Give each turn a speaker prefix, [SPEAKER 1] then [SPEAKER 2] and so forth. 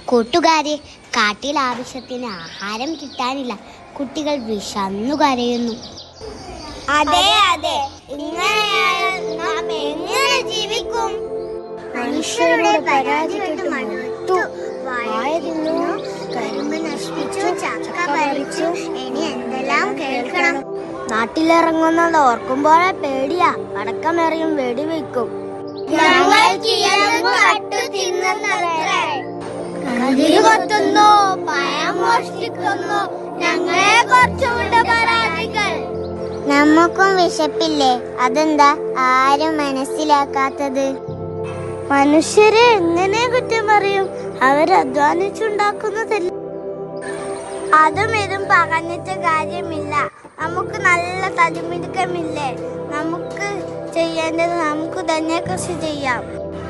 [SPEAKER 1] കൂട്ടുകാരെ, കാട്ടിൽ ആവശ്യത്തിന് ആഹാരം കിട്ടാനില്ല. കുട്ടികൾ വിശന്നു കരയുന്നു.
[SPEAKER 2] അതെ അതെ, ഇങ്ങനെയായാൽ നാം എങ്ങനെ ജീവിക്കും?
[SPEAKER 1] മനുഷ്യരുടെ പരാതി കേട്ട് മടുത്തു.
[SPEAKER 2] വാഴ തിന്നു, കരിമ്പ് നശിപ്പിച്ചു, ചക്ക പറിച്ചു, ഇനി എന്തെല്ലാം കേൾക്കണം.
[SPEAKER 1] നാട്ടിലിറങ്ങുന്നത് ഓർക്കുമ്പോഴേ പേടിയാ. പടക്കമെറിയും, വെടിവെക്കും.
[SPEAKER 2] കൊത്തുന്നു, പഴം മോഷ്ടിക്കുന്നു, ഞങ്ങളെ കുറച്ചുകൊണ്ട് പരാതികൾ.
[SPEAKER 1] നമുക്കും വിശപ്പില്ലേ? അതെന്താ ആരും മനസ്സിലാക്കാത്തത്? മനുഷ്യരെ എങ്ങനെ കുറ്റം പറയും? അവരധ്വാനിച്ചുണ്ടാക്കുന്നതല്ല.
[SPEAKER 2] അതും ഇതും പറഞ്ഞിട്ട് കാര്യമില്ല. നമുക്ക് നല്ല തടിമിടുക്കമില്ലേ? നമുക്ക് ചെയ്യേണ്ടത് നമുക്ക് തന്നെ കൃഷി ചെയ്യാം.